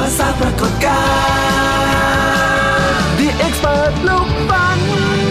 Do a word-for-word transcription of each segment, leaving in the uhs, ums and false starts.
มาสร้างปรากฏการณ์ The Expert ลูกฟัน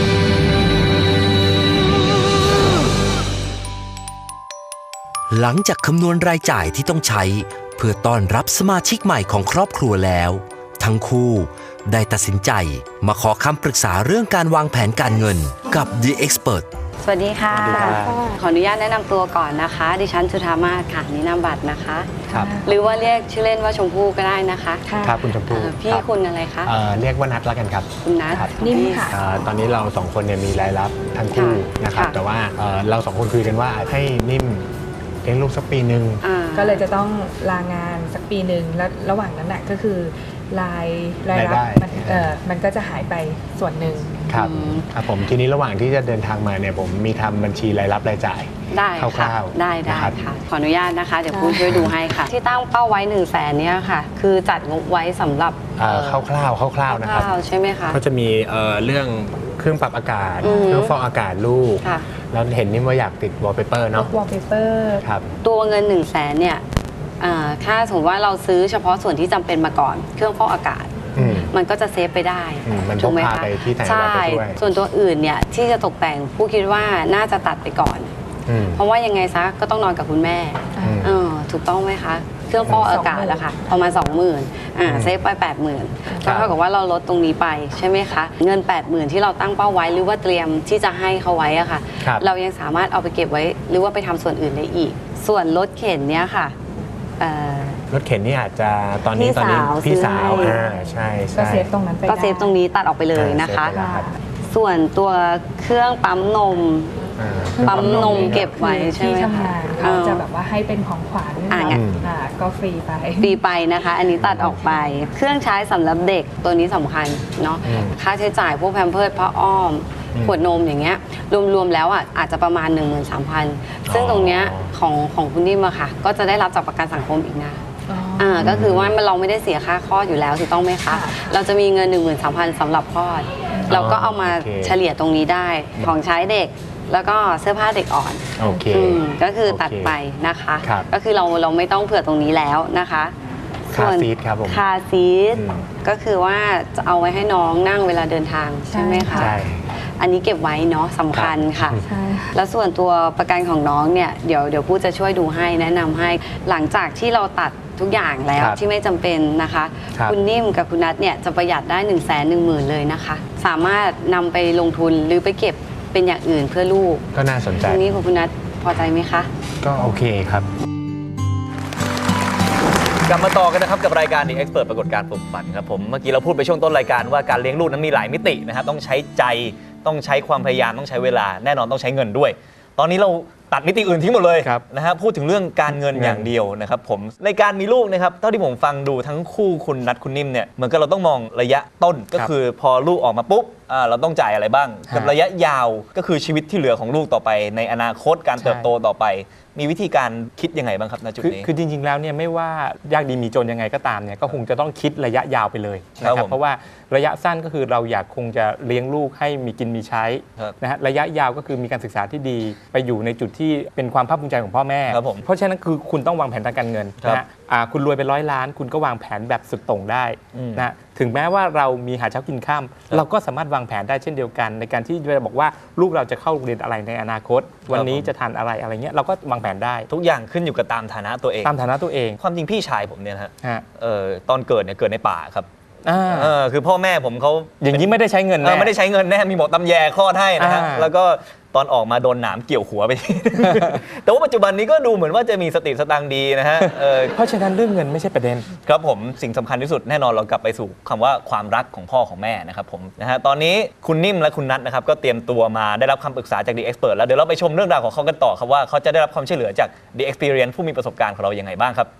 หลังจากคำนวณรายจ่ายที่ต้องใช้เพื่อต้อนรับสมาชิกใหม่ของครอบครัวแล้วทั้งคู่ได้ตัดสินใจมาขอคำปรึกษาเรื่องการวางแผนการเงินกับ The Expert สวัสดีค่ะขออนุญาตแนะนำตัวก่อนนะคะดิฉันจุฑามาศค่ะนินามบัตรนะคะครับหรือว่าเรียกชื่อเล่นว่าชมพู่ก็ได้นะคะครับคุณชมพู่พี่คุณอะไรคะเรียกว่านัทแล้วกันครับคุณนัทนิ่มค่ะตอนนี้เราสองคนเนี่ยมีรายรับทั้งคู่นะครับแต่ว่าเราสองคนคุยกันว่าให้นิ่มเลี้ยงลูกสักปีหนึ่งก็เลยจะต้องลางานสักปีหนึ่งแล้วระหว่างนั้นน่ะก็คือรายรายรับมันเออมันก็จะหายไปส่วนหนึ่งครับครับผมทีนี้ระหว่างที่จะเดินทางมาเนี่ยผมมีทำบัญชีรายรับรายจ่ายได้ค่ะได้ได้ค่ะขออนุญาตนะคะเดี๋ยวพูดช่วยดูให้ค่ะที่ตั้งเป้าไว้หนึ่งแสนเนี่ยค่ะคือจัดงบไว้สำหรับคร่าวๆคร่าวๆนะครับใช่ไหมคะก็จะมีเรื่องเครื่องปรับอากาศเครื่องฟอกอากาศลูกแล้วเห็นนี่ว่าอยากติดวอลเปเปอร์เนาะวอลเปเปอร์ครับตัวเงินหนึ่งแสนเนี่ยถ้าสมมติว่าเราซื้อเฉพาะส่วนที่จำเป็นมาก่อนเครื่องฟอกอากาศมันก็จะเซฟไปได้ถูกไหมคะใช่ส่วนตัวอื่นเนี่ยที่จะตกแต่งผู้คิดว่าน่าจะตัดไปก่อนเพราะว่ายังไงซะก็ต้องนอนกับคุณแม่ถูกต้องไหมคะเครื่องฟอกอากาศแล้วค่ะประมาณ สองหมื่น อ่าเซฟไป แปดหมื่น ก็เท่ากับว่าเราลดตรงนี้ไปใช่ไหมคะเงิน แปดหมื่น ที่เราตั้งเป้าไว้หรือว่าเตรียมที่จะให้เขาไว้อะค่ะเรายังสามารถเอาไปเก็บไว้หรือว่าไปทำส่วนอื่นได้อีกส่วนรถเข็นเนี้ยค่ะรถเข็นนี่อาจจะตอนนี้ตอนนี้พี่สาวอ่าใช่ใช่ก็เซฟตรงนั้นไปก็เซฟตรงนี้ตัดออกไปเลยนะคะส่วนตัวเครื่องปั๊มนมปั๊มนมเก็บไว้ใช่ไหมคะเขาจะแบบว่าให้เป็นของขวัญก็ฟรีไปฟรีไปนะคะอันนี้ตัดออกไปเครื่องใช้สำหรับเด็กตัวนี้สำคัญเนาะค่าใช้จ่ายพวกแพมเพิร์สผ้าอ้อมขวดนมอย่างเงี้ยรวมๆแล้วอ่ะอาจจะประมาณ หนึ่งหมื่นสามพัน ซึ่งตรงเนี้ยของของคุณนิ่มอะค่ะก็จะได้รับจากประกันสังคมอีกนะอ่าก็คือว่าเราไม่ได้เสียค่าคลอดอยู่แล้วถูกต้องไหมคะเราจะมีเงิน หนึ่งหมื่นสามพัน สำหรับคลอดเราก็เอามาเฉลี่ยตรงนี้ได้ของใช้เด็กแล้วก็เสื้อผ้าเด็กอ่อนโอเคก็คือตัดไปนะคะก็คือเราเราไม่ต้องเผื่อตรงนี้แล้วนะคะคาซีทครับผมคาซีทก็คือว่าจะเอาไว้ให้น้องนั่งเวลาเดินทางใช่ไหมคะใช่อันนี้เก็บไว้เนาะสำคัญค่ะแล้วส่วนตัวประกันของน้องเนี่ยเดี๋ยวเดี๋ยวผู้จะช่วยดูให้แนะนำให้หลังจากที่เราตัดทุกอย่างแล้วที่ไม่จำเป็นนะคะคุณนิ่มกับคุณนัทเนี่ยจะประหยัดได้หนึ่งแสนหนึ่งหมื่นเลยนะคะสามารถนำไปลงทุนหรือไปเก็บเป็นอย่างอื่นเพื่อลูกก็น่าสนใจตรงนี้ของคุณนัทพอใจไหมคะก็โอเคครับกลับมาต่อกันนะครับกับรายการ The Expert ปรากฏการณ์ปลุกฝันครับผมเมื่อกี้เราพูดไปช่วงต้นรายการว่าการเลี้ยงลูกนั้นมีหลายมิตินะครับต้องใช้ใจต้องใช้ความพยายามต้องใช้เวลาแน่นอนต้องใช้เงินด้วยตอนนี้เราตัดมิติอื่นทิ้งหมดเลยนะฮะพูดถึงเรื่องการเงินอย่างเดียวนะครับผมในการมีลูกนะครับเท่าที่ผมฟังดูทั้งคู่คุณนัทคุณนิ่มเนี่ยเหมือนกับเราต้องมองระยะต้นก็คือพอลูกออกมาปุ๊บเราต้องจ่ายอะไรบ้างกับระยะยาวก็คือชีวิตที่เหลือของลูกต่อไปในอนาคตการเติบโตต่อไปมีวิธีการคิดยังไงบ้างครับณจุดนี้คือจริงๆแล้วเนี่ยไม่ว่ายากดีมีจนยังไงก็ตามเนี่ยก็คงจะต้องคิดระยะยาวไปเลยนะครับเพราะว่าระยะสั้นก็คือเราอยากคงจะเลี้ยงลูกให้มีกินมีใช้นะฮะระยะยาวก็คือมีการศึกษาที่ดีไปอยู่ในจุดที่เป็นความภาคภูมิใจของพ่อแม่เพราะฉะนั้นคือคุณต้องวางแผนทางการเงินนะฮะคุณรวยเป็นร้อยล้านคุณก็วางแผนแบบสุดโต่งได้นะถึงแม้ว่าเรามีหาเช้ากินค่ำเราก็สามารถวางแผนได้เช่นเดียวกันในการที่จะบอกว่าลูกเราจะเข้าโรงเรียนอะไรในอนาคตวันนี้จะทานอะไรอะไรเงี้ยเราก็วางแผนได้ทุกอย่างขึ้นอยู่กับตามฐานะตัวเองตามฐานะตัวเองความจริงพี่ชายผมเนี่ยฮะตอนเกิดเนี่ยเกิดในป่าครับคือพ่อแม่ผมเขาอย่างนี้ไม่ได้ใช้เงินแน่ไม่ได้ใช้เงินแน่มีหมอตำแยคลอดให้นะฮะแล้วก็ตอนออกมาโดนหนามเกี่ยวหัวไป แต่ว่าปัจจุบันนี้ก็ดูเหมือนว่าจะมีสติสตังค์ดีนะฮะเพราะฉะนั้นเรื่องเงินไม่ใช่ประเด็นครับผมสิ่งสำคัญที่สุดแน่นอนเรากลับไปสู่คำว่าความรักของพ่อของแม่นะครับผมนะฮะตอนนี้คุณนิ่มและคุณนัทนะครับก็เตรียมตัวมาได้รับคำปรึกษาจาก The Expert แล้วเดี๋ยวเราไปชมเรื่องราวของเขากันต่อครับว่าเขาจะได้รับความช่วยเหลือจาก The Experience ผู้มีประสบการณ์ของเรายังไงบ้างครับ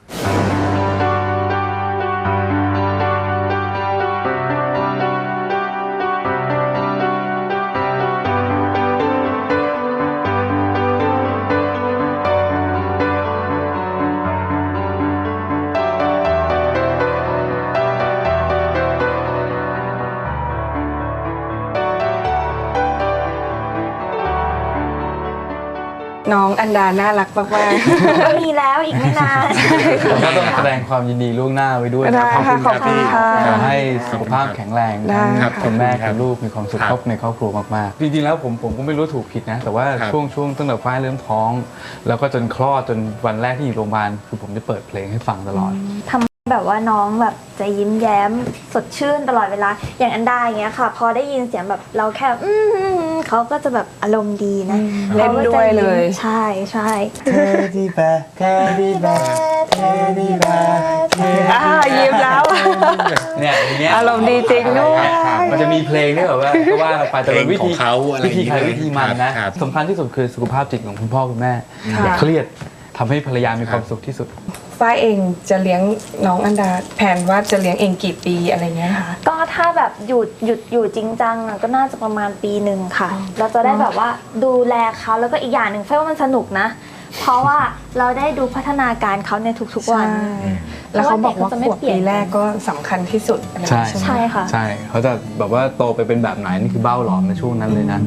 ใน้องอันดาน่ารักมากมีแล้วอีกไม่นานก็ต้องแสดงความยินดีล่วงหน้าไว้ด้วยได้นะค่ะขอบคุณค่ะขอให้สุขภาพแข็งแรงได้ทั้งค่ะคุณแม่คุณลูกมีความสุขครอบในครอบครัวมากๆจริงๆแล้วผมผมก็ไม่รู้ถูกผิดนะ แต่ว่าช่วงช่วงตั้งแต่ฝ้ายเริ่มท้อง แล้วก็จนคลอดจนวันแรกที่อยู่โรงพยาบาลคือผมจะเปิดเพลงให้ฟังตลอดทำแบบว่าน้องแบบจะยิ้มแย้มสดชื่นตลอดเวลาอย่างอันดาอย่างเงี้ยค่ะ พอได้ยินเสียงแบบเราแค่อืมเขาก็จะแบบอารมณ์ดีนะเล่นด้วยเลยใช่ใช่ Teddy bear Teddy bear Teddy bear อ่ายิ้มแล้วเนี่ยอย่างเงี้ยอารมณ์ดีจริงด้วยมันจะมีเพลงที่แบบว่าก็ว่าไปแต่เป็นวิธีเพลงของเขาอะไรวิธีใครวิธีมันนะครับสำคัญที่สุดคือสุขภาพจิตของคุณพ่อคุณแม่ค่ะอย่าเครียดทำให้ภรรยามีความสุขที่สุดฝ้ายเองจะเลี้ยงน้องอันดาแผนว่าจะเลี้ยงเองกี่ปีอะไรเงี้ยคะก็ถ้าแบบหยุดหยุดอยู่จริงจังอะก็น่าจะประมาณปีหนึ่งค่ะ เราจะได้แบบว่าดูแลเขาแล้วก็อีกอย่างหนึ่งเฟ้ว่ามันสนุกนะ เพราะว่าเราได้ดูพัฒนาการเขาในทุกๆวันใช่แล้วเขาบอกว่าขวบปีแรกก็สำคัญที่สุดอะไรใช่ใช่ไหมใช่ค่ะใช่เขาจะแบบว่าโตไปเป็นแบบไหนนี่คือเบ้าหลอมในช่วงนั้นเลยนะ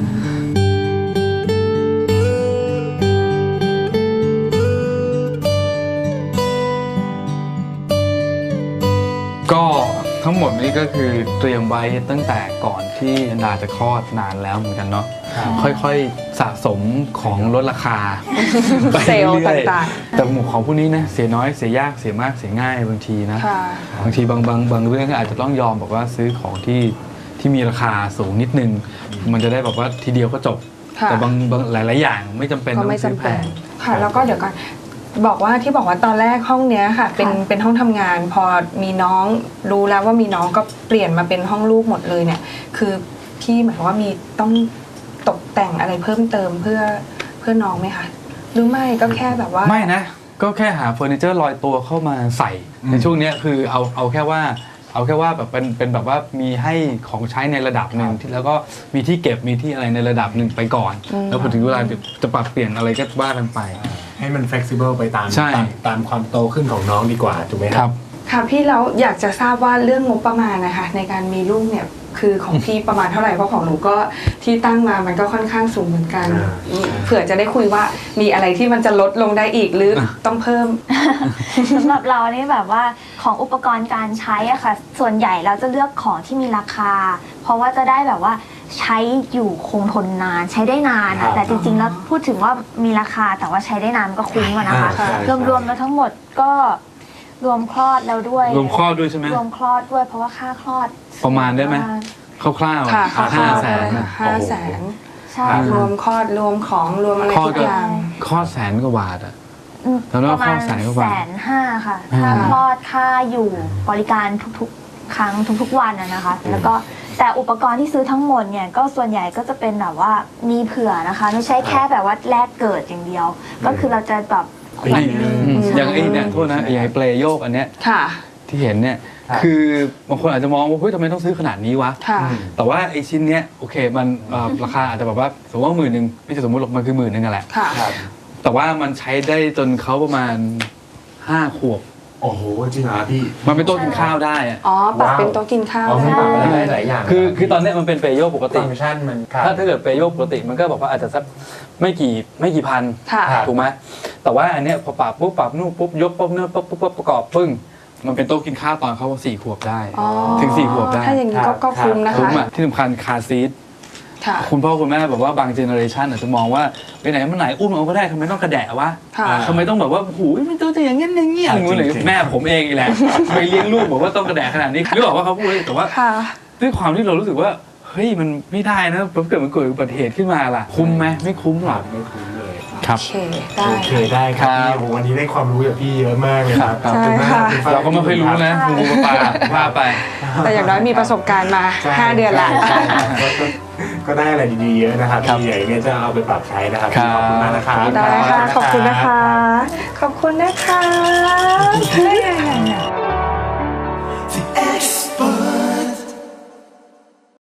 ก็ทั้งหมดนี้ก็คือเตรียมไว้ตั้งแต่ก่อนที่อันดาจะคลอดนานแล้วเหมือนกันเนาะค่อยๆสะสมของลดราคาไปเซลล์รื่อยๆต่างแต่หมู่ของพวกนี้นะเสียน้อยเสียยากเสียมากเสียง่ายบางทีนะค่ะบางทีบางบางบางเรื่องก็อาจจะต้องยอมบอกว่าซื้อของที่ที่มีราคาสูงนิดนึง มันจะได้แบบว่าทีเดียวก็จบค่ะแต่บางบางหลายๆอย่างไม่จำเป็นก็ต้องไม่ซื้อจำแพเป็นงค่ะ แล้วก็เดี๋ยวก่อนบอกว่าที่บอกว่าตอนแรกห้องเนี้ยค่ะ เป็นเป็นห้องทำงาน พอมีน้องรู้แล้วว่ามีน้องก็เปลี่ยนมาเป็นห้องลูกหมดเลยเนี่ย คือพี่หมายความว่ามีต้องตกแต่งอะไรเพิ่มเติมเพื่อเพื่อน้องไหมคะหรือไม่ก็แค่แบบว่าไม่นะ ก็แค่หาเฟอร์นิเจอร์ลอยตัวเข้ามาใส่ในช่วงเนี้ยคือเอาเอาแค่ว่าเอาแค่ว่าแบบเป็นเป็นแบบว่ามีให้ของใช้ในระดับหนึ่งที่แล้วก็มีที่เก็บมีที่อะไรในระดับหนึ่งไปก่อน แล้วพอถึงเวลาจะปรับเปลี่ยนอะไรก็ว่ากันไปให้มัน flexible ไปตามใช่ตามตามความโตขึ้นของน้องดีกว่าถูกไหมคครัรับ บค่ะพี่แล้วอยากจะทราบว่าเรื่องงบประมาณนะคะในการมีลูกเนี่ยคือของพี่ประมาณเท่าไหร่เพราะของหนูก็ที่ตั้งมามันก็ค่อนข้างสูงเหมือนกันอ่าเผื่อจะได้คุยว่ามีอะไรที่มันจะลดลงได้อีกหรือต้องเพิ่มสำหรับเรานี่แบบว่าของอุปกรณ์การใช้อะค่ะ ส่วนใหญ่เราจะเลือกของที่มีราคา เพราะว่าจะได้แบบว่าใช้อยู่คงทนนานใช้ได้นานครัอะบแต่จริงๆแล้วพูดถึงว่ามีราคาแต่ว่าใช้ได้นานมันก็คุ้มอะนะคะอ่าใช่รวมๆแล้วทั้งหมดก็รวมคลอดแล้วด้วยรวมคลอดด้วยใช่ไหมรวมคลอดด้วยเพราะว่าค่าคลอดประมาณได้ไหม คร่าวค่ะๆห้าแสนห้าแสนใช่รวมคลอดรวมของรวมอะไรคลอดทุกก็อย่างคลอดแสนกว่าบาทอะอืมแล้วประมาณคลอดแสนกว่าบาทแสนห้าค่ะค่าคลอดค่าอยู่บริการทุกๆ ครั้งทุกๆวันอะนะคะ แล้วก็แต่อุปกรณ์ที่ซื้อทั้งหมดเนี่ยก็ส่วนใหญ่ก็จะเป็นแบบว่ามีเผื่อนะคะ ไม่ใช่แค่แบบว่าแรกเกิดอย่างเดียว ก็คือเราจะแบบขวดหนึงอืมอย่างไอ้เนี่ยโทษนะอย่างไอ้เปลโยกอันเนี้ยค่ะที่เห็นเนี่ยคือบางคนอาจจะมองว่าเฮ้ยทำไมต้องซื้อขนาดนี้วะค่ะแต่ว่าไอ้ชิ้นเนี้ยโอเคมันเอ่อราคาอาจจะแบบว่าสมมติว่าหมื่นหนึ่งไม่ใช่สมมติหรอกมันคือหมื่นหนึ่งอะแหละค่ะแต่ว่ามันใช้ได้จนเขาประมาณห้าขวบโอ้โหจริงเหรอพี่มันเป็นโต๊ะกินข้าวได้อะอ๋อปรับเป็นโต๊ะกินข้าวอ๋อมันปรับได้ได้หลายอย่างคือคือตอนเนี้ยมันเป็นเปโยกปกติฟังก์ชันมันครับถ้าถ้าเกิดเปโยกปกติมันก็บอกว่าอาจจะสักไม่กี่ไม่กี่พันค่ะถูกไหมแต่ว่าอันเนี้ยพอปรับปุ๊บปรับนู่นปุ๊บยกปุ๊บเนื้อปุ๊บปุ๊บปุ๊บประกอบปึ้งมันเป็นโต๊ะกินข้าวตอนเขาสี่ขวบได้อ๋อถึงสี่ขวบได้ถ้าอย่างนี้ก็ก็คุ้มนะคุ้มคะอ่ะที่สำคัญคาร์ซีทค่ะคุณพ่อคุณแม่แบบว่าบางเจเนอเรชันอาจจะมองว่าไปไหนมาไหนอุ้มเอาก็ได้ทำไมต้องกระแดะวะค่ะทำไมต้องแบบว่าหูยมันตัวจะอย่างงี้อย่างงี้อย่างงี้เลยแม่ผมเองอีแหละไปเลี้ยงลูกบอกว่าต้องกระแดะขนาดนี้หรือบอกว่าเขาพูดแต่ว่าค่ะด้วยความที่เรารู้สึกว่าเฮ้ยมันไม่ได้นะเกิดมันเกิดอุบัติเหตุขึ้นมาล่ะคุ้มไหมไม่คุ้มหรอกไม่คุ้มเลยครับโอเค ได้โอเคได้ครับครับพี่โอ้โหวันนี้ได้ความรู้จากพี่เยอะมากเลยครับครับขอบณมากใช่ค่ะณฟ้เราก็ไม่ค่อยรู้นะงูปลาว่าไปแต่อย่างน้อยมีประสบการณ์มาใช่ห้าเดือนละใช่ครับก็ก็ก็ได้อะไรดีๆเยอะนะครับครับพี่ใหญ่เนี่ยจะเอาไปปรับใช้นะครับครับขอบคุณมากนะครับได้ค่ะ ขอบคุณนะคะ ขอบคุณนะคะ